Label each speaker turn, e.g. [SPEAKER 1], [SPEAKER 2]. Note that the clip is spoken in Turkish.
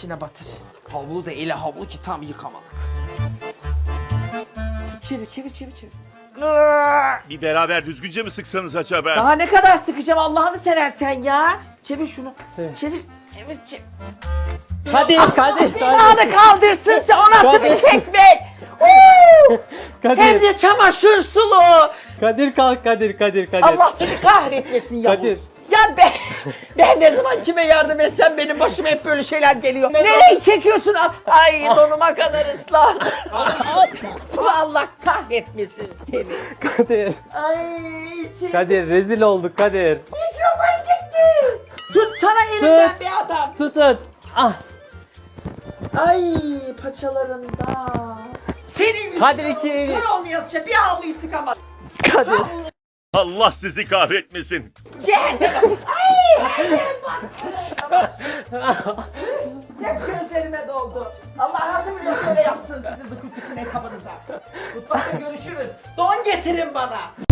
[SPEAKER 1] içine batır. Havlu da ele havlu ki tam yıkamadık. Çevir.
[SPEAKER 2] Bir beraber düzgünce mi sıksanız acaba?
[SPEAKER 1] Daha ne kadar sıkacağım Allah'ını seversen ya. Çevir şunu. Çevir.
[SPEAKER 3] Kadir.
[SPEAKER 1] Beni kaldırsın sen, o nasıl bir çekmek? Hem
[SPEAKER 3] Kadir.
[SPEAKER 1] de çamaşır sulu.
[SPEAKER 3] Kadir kalk Kadir.
[SPEAKER 1] Allah seni kahretmesin Yavuz.
[SPEAKER 3] Kadir.
[SPEAKER 1] Ya ben ne zaman kime yardım etsem benim başıma hep böyle şeyler geliyor. Nereyi çekiyorsun? Ay donuma kadar ıslandı. Allah kahretmesin seni.
[SPEAKER 3] Kadir.
[SPEAKER 1] Ay içim.
[SPEAKER 3] Kadir rezil olduk Kadir.
[SPEAKER 1] Mikrofon gitti. Tutsana elimden
[SPEAKER 3] Tut.
[SPEAKER 1] bir adam.
[SPEAKER 3] Tutun. Ah.
[SPEAKER 1] Ay paçalarımda. Senin yüzünden
[SPEAKER 3] Kadir iki.
[SPEAKER 1] kör olmayasıca bir havluyu sıkamadım.
[SPEAKER 3] Kadir.
[SPEAKER 2] Allah sizi kahretmesin.
[SPEAKER 1] Cehennem. Ay her yer bak. Hep gözlerime doldu. Allah razı biliyor şöyle yapsın sizi bu küçük kabınıza. Mutfakta görüşürüz. Don getirin bana.